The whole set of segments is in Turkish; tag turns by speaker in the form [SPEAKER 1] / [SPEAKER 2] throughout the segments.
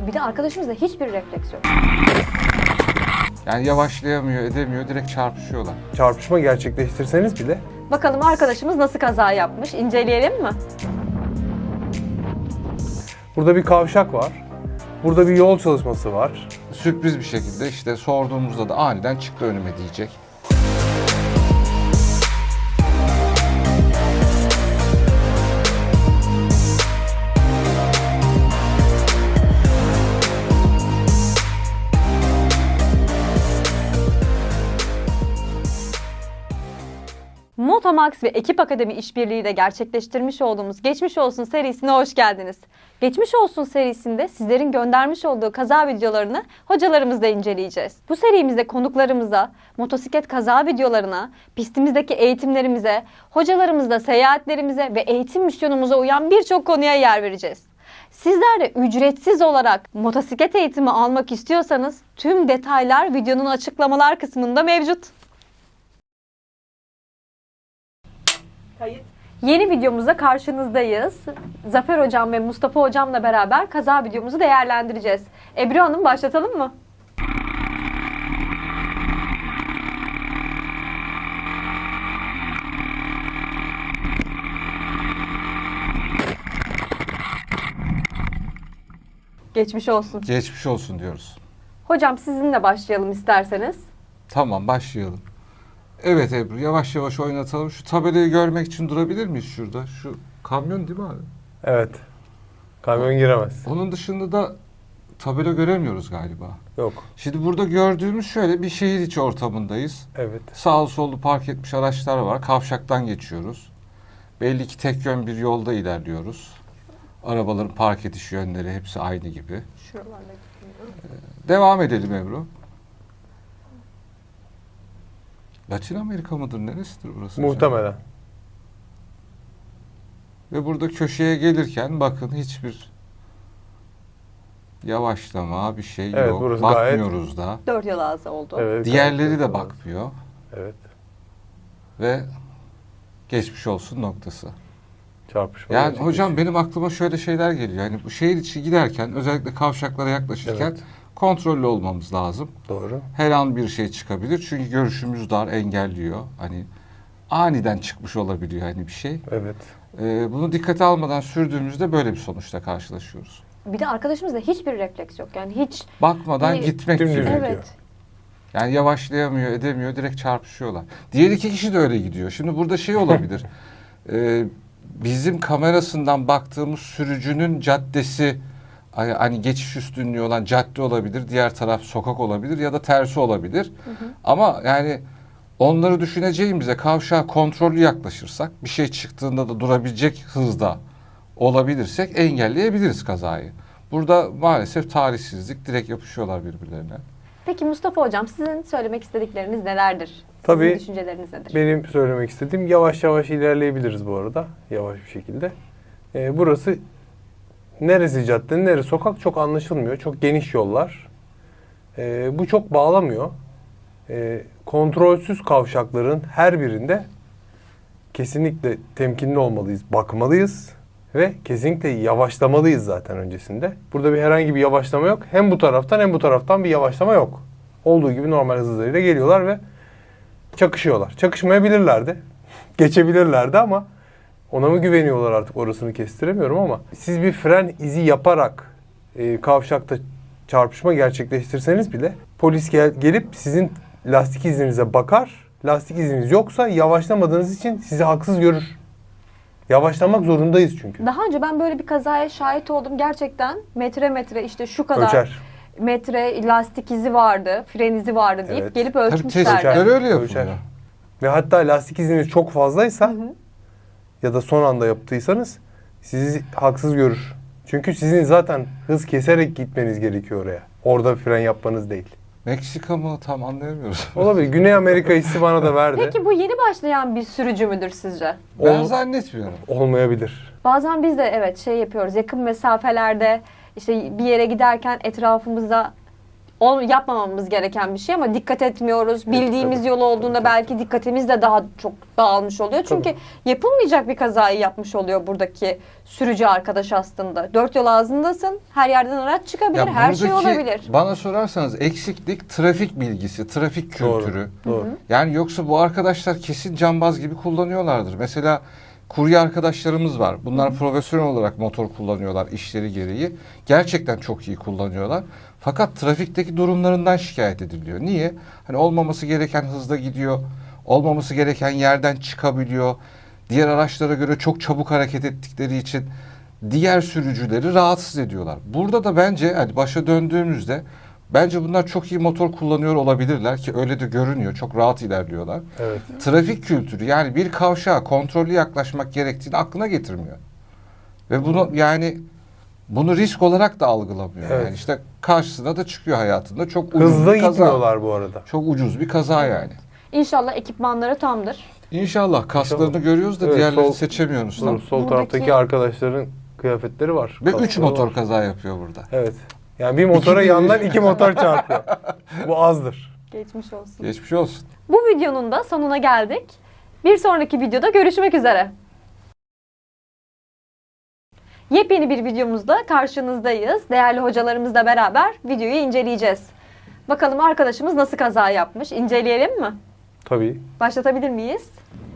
[SPEAKER 1] Bir de arkadaşımızda hiçbir refleks yok.
[SPEAKER 2] Yani yavaşlayamıyor, edemiyor, direkt çarpışıyorlar.
[SPEAKER 3] Çarpışma gerçekleştirseniz bile
[SPEAKER 1] Bakalım arkadaşımız nasıl kaza yapmış? İnceleyelim mi?
[SPEAKER 3] burada bir kavşak var. Burada bir yol çalışması var.
[SPEAKER 2] Sürpriz bir şekilde işte sorduğumuzda da aniden çıktı önüme diyecek.
[SPEAKER 1] Motomax ve Ekip Akademi işbirliğiyle gerçekleştirmiş olduğumuz Geçmiş Olsun serisine hoş geldiniz. Geçmiş Olsun serisinde sizlerin göndermiş olduğu kaza videolarını hocalarımızla inceleyeceğiz. Bu serimizde konuklarımıza, motosiklet kaza videolarına, pistimizdeki eğitimlerimize, hocalarımızla seyahatlerimize ve eğitim misyonumuza uyan birçok konuya yer vereceğiz. Sizler de ücretsiz olarak motosiklet eğitimi almak istiyorsanız tüm detaylar videonun açıklamalar kısmında mevcut. Yeni videomuzda karşınızdayız. Zafer Hocam ve Mustafa Hocam'la beraber kaza videomuzu değerlendireceğiz. Ebru Hanım, başlatalım mı? Geçmiş olsun.
[SPEAKER 2] Geçmiş olsun diyoruz.
[SPEAKER 1] Hocam sizinle başlayalım isterseniz.
[SPEAKER 2] Tamam, başlayalım. Evet Ebru, yavaş yavaş oynatalım. Şu tabelayı görmek için durabilir miyiz şurada? Şu kamyon değil mi abi?
[SPEAKER 3] Evet. Kamyon giremez.
[SPEAKER 2] Onun dışında da tabela göremiyoruz galiba.
[SPEAKER 3] Yok.
[SPEAKER 2] Şimdi burada gördüğümüz şöyle bir şehir içi ortamındayız.
[SPEAKER 3] Evet.
[SPEAKER 2] Sağlı sollu park etmiş araçlar var. Kavşaktan geçiyoruz. Belli ki tek yön bir yolda ilerliyoruz. Arabaların park ediş yönleri hepsi aynı gibi. Devam edelim Ebru. Latin Amerika mıdır? Neresidir burası?
[SPEAKER 3] Muhtemelen.
[SPEAKER 2] acaba? Ve burada köşeye gelirken bakın hiçbir yavaşlama bir şey
[SPEAKER 3] Evet,
[SPEAKER 2] yok.
[SPEAKER 3] burası
[SPEAKER 2] Bakmıyoruz da.
[SPEAKER 1] 4 yol ağzı oldu.
[SPEAKER 3] Evet.
[SPEAKER 2] Diğerleri de
[SPEAKER 3] gayet-
[SPEAKER 2] bakmıyor.
[SPEAKER 3] Evet.
[SPEAKER 2] Ve geçmiş olsun noktası.
[SPEAKER 3] Çarpışma
[SPEAKER 2] Yani
[SPEAKER 3] gerçekleşiyor.
[SPEAKER 2] hocam benim aklıma şöyle şeyler geliyor. Yani bu şehir içi giderken özellikle kavşaklara yaklaşırken
[SPEAKER 3] Evet.
[SPEAKER 2] kontrollü olmamız lazım.
[SPEAKER 3] Doğru.
[SPEAKER 2] Her an bir şey çıkabilir. Çünkü görüşümüz dar, engelliyor. Hani aniden çıkmış olabiliyor hani bir şey.
[SPEAKER 3] Evet.
[SPEAKER 2] Bunu dikkate almadan sürdüğümüzde böyle bir sonuçla karşılaşıyoruz.
[SPEAKER 1] Bir de arkadaşımızda hiçbir refleks yok. Yani hiç...
[SPEAKER 2] Bakmadan
[SPEAKER 1] Hani
[SPEAKER 2] gitmek
[SPEAKER 3] dümdüz
[SPEAKER 2] gibi.
[SPEAKER 3] gidiyor.
[SPEAKER 1] Evet.
[SPEAKER 2] Yani yavaşlayamıyor, edemiyor, direkt çarpışıyorlar. Diğer iki kişi de öyle gidiyor. Şimdi burada şey olabilir. Bizim kamerasından baktığımız sürücünün caddesi hani geçiş üstünlüğü olan cadde olabilir. Diğer taraf sokak olabilir ya da tersi olabilir. Ama yani onları düşüneceğimize kavşağa kontrollü yaklaşırsak bir şey çıktığında da durabilecek hızda olabilirsek engelleyebiliriz kazayı. Burada maalesef talihsizlik, direkt yapışıyorlar birbirlerine.
[SPEAKER 1] Peki Mustafa Hocam, sizin söylemek istedikleriniz nelerdir?
[SPEAKER 3] Tabii.
[SPEAKER 1] Sizin düşünceleriniz nedir?
[SPEAKER 3] Benim söylemek istediğim yavaş yavaş ilerleyebiliriz bu arada. Yavaş bir şekilde. Burası neresi cadde, neresi sokak çok anlaşılmıyor. Çok geniş yollar. Bu çok bağlamıyor. Kontrolsüz kavşakların her birinde kesinlikle temkinli olmalıyız, bakmalıyız ve kesinlikle yavaşlamalıyız zaten öncesinde. Burada herhangi bir yavaşlama yok. Hem bu taraftan hem bu taraftan bir yavaşlama yok. Olduğu gibi normal hızlarıyla geliyorlar ve çakışıyorlar. Çakışmayabilirlerdi. Geçebilirlerdi ama ona mı güveniyorlar artık orasını kestiremiyorum ama siz bir fren izi yaparak kavşakta çarpışma gerçekleştirseniz bile polis gelip sizin lastik izinize bakar. Lastik iziniz yoksa yavaşlamadığınız için sizi haksız görür. Yavaşlamak zorundayız çünkü.
[SPEAKER 1] Daha önce ben böyle bir kazaya şahit oldum. Gerçekten metre işte şu kadar
[SPEAKER 3] Ölçer.
[SPEAKER 1] metre lastik izi vardı, fren izi vardı deyip
[SPEAKER 3] Evet.
[SPEAKER 1] gelip
[SPEAKER 2] Tabii
[SPEAKER 1] ölçmüşlerdi.
[SPEAKER 2] tespitler öyle yapılıyor.
[SPEAKER 3] Ölçer. Ve hatta lastik iziniz çok fazlaysa ya da son anda yaptıysanız sizi haksız görür. Çünkü sizin zaten hız keserek gitmeniz gerekiyor oraya. Orada fren yapmanız değil.
[SPEAKER 2] Meksika mı tam anlayamıyoruz.
[SPEAKER 3] Olabilir. Güney Amerika hissi bana da verdi.
[SPEAKER 1] Peki bu yeni başlayan bir sürücü müdür sizce?
[SPEAKER 2] Ben
[SPEAKER 3] Ol-
[SPEAKER 2] zannetmiyorum.
[SPEAKER 3] Olmayabilir.
[SPEAKER 1] Bazen biz de evet şey yapıyoruz. Yakın mesafelerde işte bir yere giderken etrafımıza yapmamamız gereken bir şey ama dikkat etmiyoruz. Bildiğimiz
[SPEAKER 3] tabii.
[SPEAKER 1] yol olduğunda
[SPEAKER 3] Tabii.
[SPEAKER 1] belki dikkatimiz de daha çok dağılmış oluyor. Çünkü yapılmayacak bir kazayı yapmış oluyor buradaki sürücü arkadaş aslında. Dört yol ağzındasın. Her yerden araç çıkabilir.
[SPEAKER 2] Ya
[SPEAKER 1] Her şey
[SPEAKER 2] buradaki,
[SPEAKER 1] olabilir.
[SPEAKER 2] bana sorarsanız eksiklik trafik bilgisi, trafik kültürü.
[SPEAKER 3] Doğru.
[SPEAKER 2] Yani yoksa bu arkadaşlar kesin cambaz gibi kullanıyorlardır. Mesela kurye arkadaşlarımız var. Bunlar profesyonel olarak motor kullanıyorlar işleri gereği. Gerçekten çok iyi kullanıyorlar. Fakat trafikteki durumlarından şikayet ediliyor. Niye? Hani olmaması gereken hızda gidiyor. Olmaması gereken yerden çıkabiliyor. Diğer araçlara göre çok çabuk hareket ettikleri için diğer sürücüleri rahatsız ediyorlar. Burada da bence hani başa döndüğümüzde bence bunlar çok iyi motor kullanıyor olabilirler ki öyle de görünüyor. Çok rahat ilerliyorlar.
[SPEAKER 3] Evet.
[SPEAKER 2] Trafik kültürü yani bir kavşağa kontrollü yaklaşmak gerektiğini aklına getirmiyor. Ve bunu risk olarak da algılamıyor.
[SPEAKER 3] Evet.
[SPEAKER 2] Yani işte karşısına da çıkıyor hayatında. Çok ucuz
[SPEAKER 3] Hızlı
[SPEAKER 2] bir kaza.
[SPEAKER 3] gitmiyorlar bu arada.
[SPEAKER 2] Çok ucuz bir kaza yani.
[SPEAKER 1] İnşallah ekipmanları tamdır.
[SPEAKER 2] İnşallah kaslarını
[SPEAKER 3] İnşallah.
[SPEAKER 2] görüyoruz da
[SPEAKER 3] Evet,
[SPEAKER 2] diğerlerini
[SPEAKER 3] sol-
[SPEAKER 2] seçemiyoruz.
[SPEAKER 3] Sol
[SPEAKER 1] Buradaki-
[SPEAKER 3] taraftaki arkadaşların kıyafetleri var.
[SPEAKER 2] Ve 3
[SPEAKER 3] kaskları
[SPEAKER 2] motor
[SPEAKER 3] var.
[SPEAKER 2] kaza yapıyor burada.
[SPEAKER 3] Evet. Yani bir motora
[SPEAKER 2] İki-
[SPEAKER 3] yandan 2 motor çarpıyor. Bu azdır.
[SPEAKER 1] Geçmiş olsun.
[SPEAKER 2] Geçmiş olsun.
[SPEAKER 1] Bu videonun da sonuna geldik. Bir sonraki videoda görüşmek üzere. Yepyeni bir videomuzda karşınızdayız. Değerli hocalarımızla beraber videoyu inceleyeceğiz. Bakalım arkadaşımız nasıl kaza yapmış? İnceleyelim mi?
[SPEAKER 3] Tabii.
[SPEAKER 1] Başlatabilir miyiz?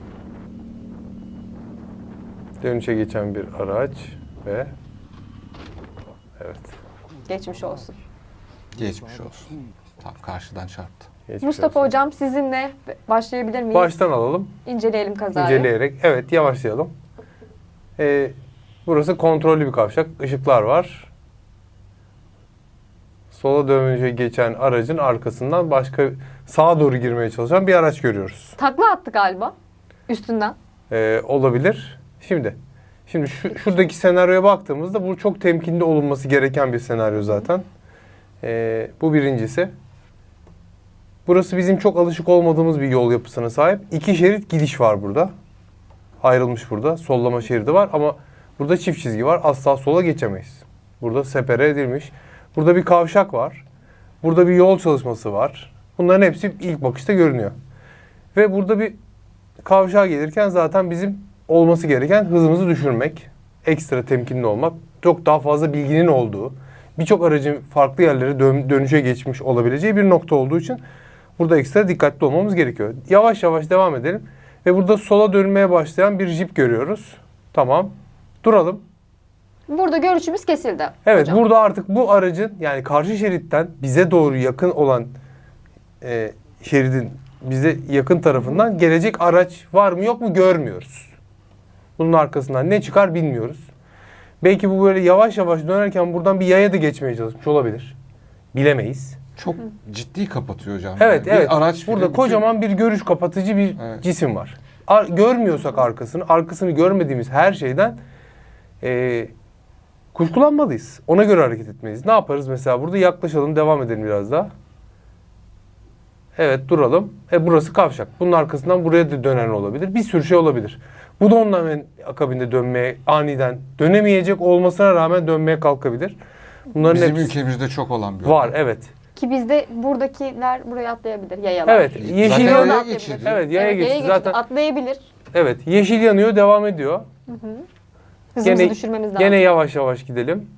[SPEAKER 3] Dönüşe geçen bir araç ve evet.
[SPEAKER 1] Geçmiş olsun.
[SPEAKER 2] Geçmiş olsun. Tam karşıdan çarptı.
[SPEAKER 3] Geçmiş
[SPEAKER 1] Mustafa
[SPEAKER 3] olsun.
[SPEAKER 1] hocam sizinle başlayabilir miyiz?
[SPEAKER 3] Baştan alalım.
[SPEAKER 1] İnceleyelim kazayı.
[SPEAKER 3] İnceleyerek. Evet, yavaşlayalım. Burası kontrollü bir kavşak. Işıklar var. Sola dönüşe geçen aracın arkasından başka sağa doğru girmeye çalışan bir araç görüyoruz.
[SPEAKER 1] Takla attı galiba üstünden.
[SPEAKER 3] Olabilir. Şimdi şuradaki senaryoya baktığımızda bu çok temkinli olunması gereken bir senaryo zaten. Bu birincisi. Burası bizim çok alışık olmadığımız bir yol yapısına sahip. 2 şerit gidiş var burada. Ayrılmış burada. Sollama şeridi var ama burada çift çizgi var. Asla sola geçemeyiz. Burada separe edilmiş. Burada bir kavşak var. Burada bir yol çalışması var. Bunların hepsi ilk bakışta görünüyor. Ve burada bir kavşağa gelirken zaten bizim olması gereken hızımızı düşürmek, ekstra temkinli olmak, çok daha fazla bilginin olduğu, birçok aracın farklı yerlere dönüşe geçmiş olabileceği bir nokta olduğu için burada ekstra dikkatli olmamız gerekiyor. Yavaş yavaş devam edelim ve burada sola dönmeye başlayan bir jip görüyoruz. Tamam. Duralım.
[SPEAKER 1] Burada görüşümüz kesildi.
[SPEAKER 3] Evet,
[SPEAKER 1] hocam.
[SPEAKER 3] burada artık bu aracın yani karşı şeritten bize doğru yakın olan şeridin bize yakın tarafından gelecek araç var mı yok mu görmüyoruz. Bunun arkasından ne çıkar bilmiyoruz. Belki bu böyle yavaş yavaş dönerken buradan bir yaya da geçmeye çalışmış olabilir. Bilemeyiz.
[SPEAKER 2] Çok ciddi kapatıyor hocam.
[SPEAKER 3] Evet,
[SPEAKER 2] Yani bir
[SPEAKER 3] evet.
[SPEAKER 2] araç bile
[SPEAKER 3] Burada
[SPEAKER 2] bütün-
[SPEAKER 3] kocaman bir görüş kapatıcı bir
[SPEAKER 2] Evet.
[SPEAKER 3] cisim var. Görmüyorsak arkasını görmediğimiz her şeyden kuşkulanmalıyız. Ona göre hareket etmeliyiz. Ne yaparız mesela burada? Yaklaşalım, devam edelim biraz daha. Evet, duralım. Burası kavşak. Bunun arkasından buraya da dönen olabilir. Bir sürü şey olabilir. Bu da ondan hemen akabinde dönmeye, aniden dönemeyecek olmasına rağmen dönmeye kalkabilir. Bunların
[SPEAKER 2] Bizim
[SPEAKER 3] hepsi
[SPEAKER 2] ülkemizde çok olan bir
[SPEAKER 3] var.
[SPEAKER 2] olay.
[SPEAKER 3] Evet.
[SPEAKER 1] Ki bizde buradakiler buraya atlayabilir. Yayalar.
[SPEAKER 3] Evet.
[SPEAKER 2] Zaten
[SPEAKER 3] Yeşil
[SPEAKER 2] yaya
[SPEAKER 3] yanıyor.
[SPEAKER 2] geçidi.
[SPEAKER 3] Evet, yaya geçti. Zaten
[SPEAKER 1] atlayabilir.
[SPEAKER 3] evet, yeşil yanıyor, devam ediyor.
[SPEAKER 1] Hızımızı düşürmemiz lazım.
[SPEAKER 3] Gene yavaş yavaş gidelim.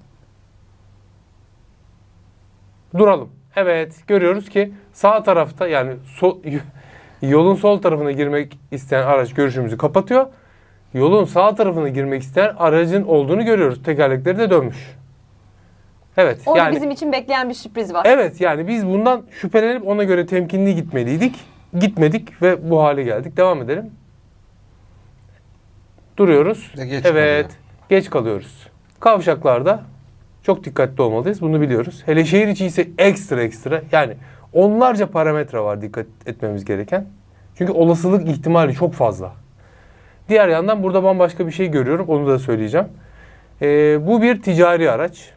[SPEAKER 3] Duralım. Evet, görüyoruz ki sağ tarafta yani yolun sol tarafına girmek isteyen araç görüşümüzü kapatıyor. Yolun sağ tarafına girmek isteyen aracın olduğunu görüyoruz. Tekerlekleri de dönmüş. Evet.
[SPEAKER 1] Orada
[SPEAKER 3] yani
[SPEAKER 1] bizim için bekleyen bir sürpriz var.
[SPEAKER 3] evet yani biz bundan şüphelenip ona göre temkinli gitmeliydik. Gitmedik ve bu hale geldik. Devam edelim. Duruyoruz.
[SPEAKER 2] Geç
[SPEAKER 3] evet.
[SPEAKER 2] kalıyor.
[SPEAKER 3] Geç kalıyoruz. Kavşaklarda çok dikkatli olmalıyız. Bunu biliyoruz. Hele şehir içi ise ekstra. Yani onlarca parametre var dikkat etmemiz gereken. Çünkü olasılık ihtimali çok fazla. Diğer yandan burada bambaşka bir şey görüyorum. Onu da söyleyeceğim. Bu bir ticari araç.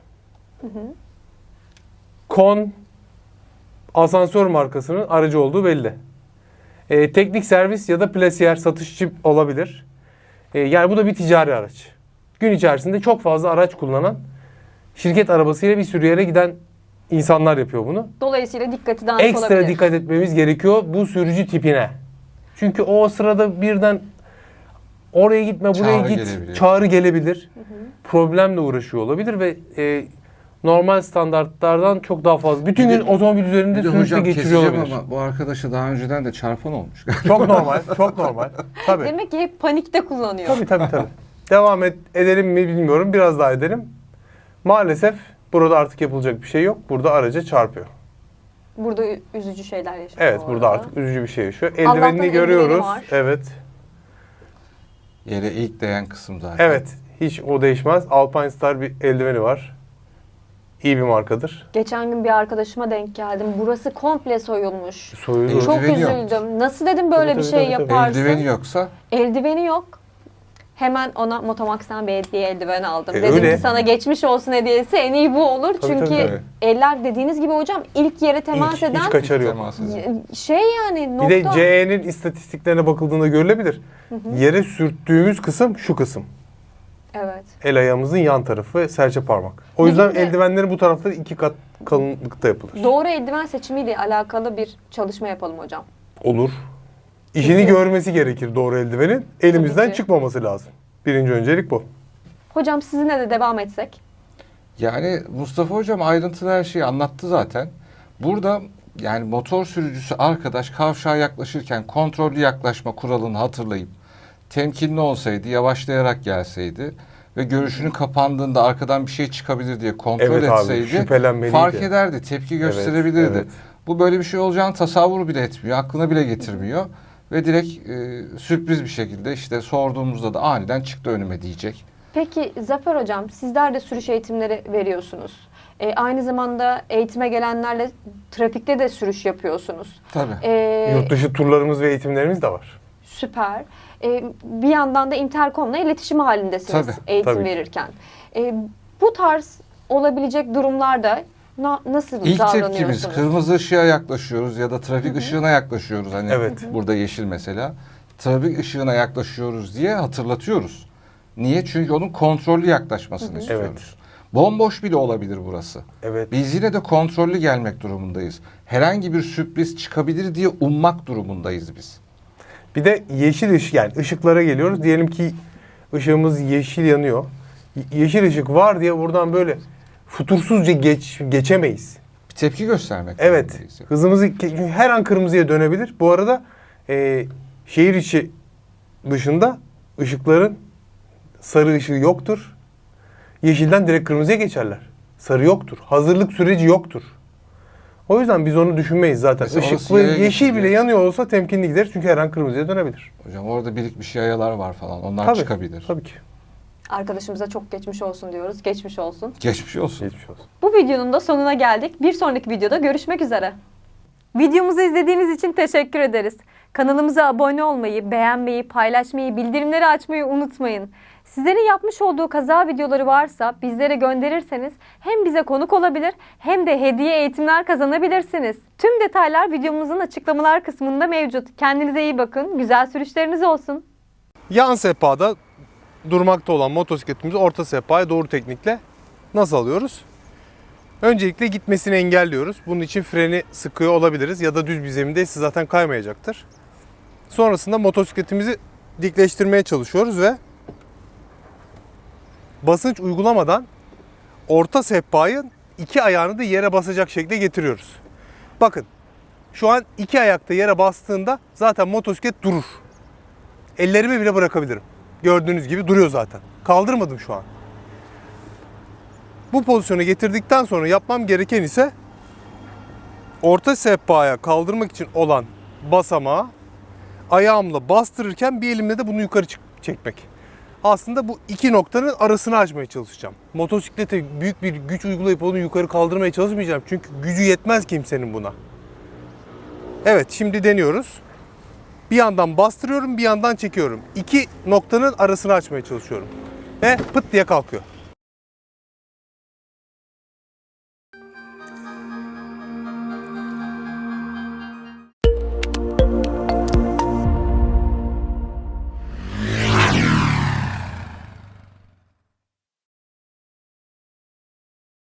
[SPEAKER 3] Kon asansör markasının aracı olduğu belli. Teknik servis ya da plasiyer satışçı olabilir. Yani bu da bir ticari araç. Gün içerisinde çok fazla araç kullanan, şirket arabasıyla bir sürü yere giden insanlar yapıyor bunu.
[SPEAKER 1] Dolayısıyla dikkati dağınık
[SPEAKER 3] Ekstra
[SPEAKER 1] olabilir.
[SPEAKER 3] dikkat etmemiz gerekiyor bu sürücü tipine. Çünkü o sırada birden oraya gitme, buraya
[SPEAKER 2] Çağrı
[SPEAKER 3] git,
[SPEAKER 2] gelebilir.
[SPEAKER 3] çağrı gelebilir. Problemle uğraşıyor olabilir ve normal standartlardan çok daha fazla. Bütün
[SPEAKER 2] Bir
[SPEAKER 3] gün
[SPEAKER 2] de-
[SPEAKER 3] otomobil üzerinde
[SPEAKER 2] Bir de
[SPEAKER 3] sürüşte
[SPEAKER 2] hocam
[SPEAKER 3] geçiriyor
[SPEAKER 2] keseceğim
[SPEAKER 3] olabilir.
[SPEAKER 2] ama bu arkadaşa daha önceden de çarpan olmuş.
[SPEAKER 3] Çok normal, çok normal. Tabii.
[SPEAKER 1] Demek ki hep panikte kullanıyor.
[SPEAKER 3] Tabii. Devam edelim mi bilmiyorum. Biraz daha edelim. Maalesef burada artık yapılacak bir şey yok. Burada araca çarpıyor.
[SPEAKER 1] Burada üzücü şeyler yaşıyor.
[SPEAKER 3] Evet,
[SPEAKER 1] bu
[SPEAKER 3] burada
[SPEAKER 1] arada.
[SPEAKER 3] artık üzücü bir şey yaşıyor.
[SPEAKER 1] Allah'tan
[SPEAKER 3] Eldivenini
[SPEAKER 1] eldiveni
[SPEAKER 3] görüyoruz.
[SPEAKER 1] var.
[SPEAKER 3] Evet.
[SPEAKER 2] Yere ilk değen kısım zaten.
[SPEAKER 3] Evet. Hiç o değişmez. Alpine Star bir eldiveni var. İyi bir markadır.
[SPEAKER 1] Geçen gün bir arkadaşıma denk geldim. Burası komple soyulmuş.
[SPEAKER 3] Soyulur.
[SPEAKER 1] Çok
[SPEAKER 2] Eldiveni yok.
[SPEAKER 1] üzüldüm. Nasıl dedim böyle
[SPEAKER 3] Tabii,
[SPEAKER 1] bir şey
[SPEAKER 3] tabii.
[SPEAKER 1] yaparsın?
[SPEAKER 2] Eldiveni yoksa
[SPEAKER 1] Eldiveni yok. Hemen ona Motomax'tan bir hediye eldiven aldım.
[SPEAKER 3] E,
[SPEAKER 1] Dedim
[SPEAKER 3] öyle.
[SPEAKER 1] ki sana geçmiş olsun hediyesi en iyi bu olur.
[SPEAKER 3] Tabii,
[SPEAKER 1] Çünkü
[SPEAKER 3] tabii.
[SPEAKER 1] eller dediğiniz gibi hocam ilk yere temas
[SPEAKER 3] Hiç
[SPEAKER 1] eden
[SPEAKER 3] kaçarı yok.
[SPEAKER 2] temas edin.
[SPEAKER 1] şey yani
[SPEAKER 3] Bir
[SPEAKER 1] nokta.
[SPEAKER 3] de CE'nin istatistiklerine bakıldığında görülebilir. Yere sürttüğümüz kısım şu kısım.
[SPEAKER 1] Evet.
[SPEAKER 3] El ayağımızın yan tarafı ve serçe parmak. O yüzden
[SPEAKER 1] Bir de-
[SPEAKER 3] eldivenleri bu tarafta 2 kat kalınlıkta yapılır.
[SPEAKER 1] Doğru eldiven seçimiyle alakalı bir çalışma yapalım hocam.
[SPEAKER 3] Olur. İşini
[SPEAKER 1] Peki.
[SPEAKER 3] görmesi gerekir doğru eldivenin. Elimizden
[SPEAKER 1] Tabii ki.
[SPEAKER 3] çıkmaması lazım. Birinci öncelik bu.
[SPEAKER 1] Hocam sizinle de devam etsek.
[SPEAKER 2] yani Mustafa hocam ayrıntılı her şeyi anlattı zaten. Burada yani motor sürücüsü arkadaş kavşağa yaklaşırken kontrollü yaklaşma kuralını hatırlayıp temkinli olsaydı, yavaşlayarak gelseydi ve görüşünün kapandığında arkadan bir şey çıkabilir diye kontrol
[SPEAKER 3] Evet abi,
[SPEAKER 2] etseydi
[SPEAKER 3] şüphelenmeliydi.
[SPEAKER 2] fark ederdi, tepki gösterebilirdi.
[SPEAKER 3] evet.
[SPEAKER 2] Bu böyle bir şey olacağını tasavvur bile etmiyor, aklına bile getirmiyor ve direkt sürpriz bir şekilde işte sorduğumuzda da aniden çıktı önüme diyecek.
[SPEAKER 1] Peki Zafer hocam sizler de sürüş eğitimleri veriyorsunuz. Aynı zamanda eğitime gelenlerle trafikte de sürüş yapıyorsunuz.
[SPEAKER 2] Tabii.
[SPEAKER 3] Yurt dışı turlarımız ve eğitimlerimiz de var.
[SPEAKER 1] Süper. Bir yandan da Intercom'la iletişim halindesiniz
[SPEAKER 2] Tabii,
[SPEAKER 1] eğitim
[SPEAKER 3] tabii.
[SPEAKER 1] verirken. Bu tarz olabilecek durumlarda nasıl
[SPEAKER 2] İlk
[SPEAKER 1] davranıyorsunuz?
[SPEAKER 2] tepkimiz kırmızı ışığa yaklaşıyoruz ya da trafik ışığına yaklaşıyoruz. Hani
[SPEAKER 3] Evet.
[SPEAKER 2] burada yeşil mesela. Trafik ışığına yaklaşıyoruz diye hatırlatıyoruz. Niye? Çünkü onun kontrollü yaklaşmasını istiyoruz. Bomboş bile olabilir burası.
[SPEAKER 3] Evet.
[SPEAKER 2] Biz yine de kontrollü gelmek durumundayız. Herhangi bir sürpriz çıkabilir diye ummak durumundayız biz.
[SPEAKER 3] Bir de yeşil ışık, yani ışıklara geliyoruz. Diyelim ki ışığımız yeşil yanıyor. Yeşil ışık var diye buradan böyle futursuzca geçemeyiz.
[SPEAKER 2] Bir tepki göstermek
[SPEAKER 3] Evet.
[SPEAKER 2] durumundayız.
[SPEAKER 3] Hızımızı çünkü her an kırmızıya dönebilir. Bu arada şehir içi dışında ışıkların sarı ışığı yoktur. Yeşilden direkt kırmızıya geçerler. Sarı yoktur. Hazırlık süreci yoktur. O yüzden biz onu düşünmeyiz zaten.
[SPEAKER 2] Mesela
[SPEAKER 3] Işık
[SPEAKER 2] orası
[SPEAKER 3] ve
[SPEAKER 2] yaya
[SPEAKER 3] yeşil
[SPEAKER 2] geçiyor.
[SPEAKER 3] bile yanıyor olsa temkinli gideriz. Çünkü her an kırmızıya dönebilir.
[SPEAKER 2] Hocam orada birikmiş yayalar var falan. Onlar
[SPEAKER 3] Tabii,
[SPEAKER 2] çıkabilir.
[SPEAKER 3] Tabii ki.
[SPEAKER 1] Arkadaşımıza çok geçmiş olsun diyoruz. Geçmiş olsun.
[SPEAKER 2] Geçmiş olsun.
[SPEAKER 3] Geçmiş olsun.
[SPEAKER 1] Bu videonun da sonuna geldik. Bir sonraki videoda görüşmek üzere. Videomuzu izlediğiniz için teşekkür ederiz. Kanalımıza abone olmayı, beğenmeyi, paylaşmayı, bildirimleri açmayı unutmayın. Sizlerin yapmış olduğu kaza videoları varsa bizlere gönderirseniz hem bize konuk olabilir hem de hediye eğitimler kazanabilirsiniz. Tüm detaylar videomuzun açıklamalar kısmında mevcut. Kendinize iyi bakın, güzel sürüşleriniz olsun.
[SPEAKER 3] Yan sehpada durmakta olan motosikletimizi orta sehpaya doğru teknikle nasıl alıyoruz? Öncelikle gitmesini engelliyoruz. Bunun için freni sıkıyor olabiliriz ya da düz bir zemindeyse zaten kaymayacaktır. Sonrasında motosikletimizi dikleştirmeye çalışıyoruz ve basınç uygulamadan orta sehpayı iki ayağını da yere basacak şekilde getiriyoruz. Bakın şu an iki ayakta yere bastığında zaten motosiklet durur. Ellerimi bile bırakabilirim. Gördüğünüz gibi duruyor zaten. Kaldırmadım şu an. Bu pozisyonu getirdikten sonra yapmam gereken ise orta sehpaya kaldırmak için olan basamağı ayağımla bastırırken bir elimle de bunu yukarı çekmek. Aslında bu iki noktanın arasını açmaya çalışacağım. Motosiklete büyük bir güç uygulayıp onu yukarı kaldırmaya çalışmayacağım. Çünkü gücü yetmez kimsenin buna. Evet, şimdi deniyoruz. Bir yandan bastırıyorum, bir yandan çekiyorum. İki noktanın arasını açmaya çalışıyorum. Ve pıt diye kalkıyor.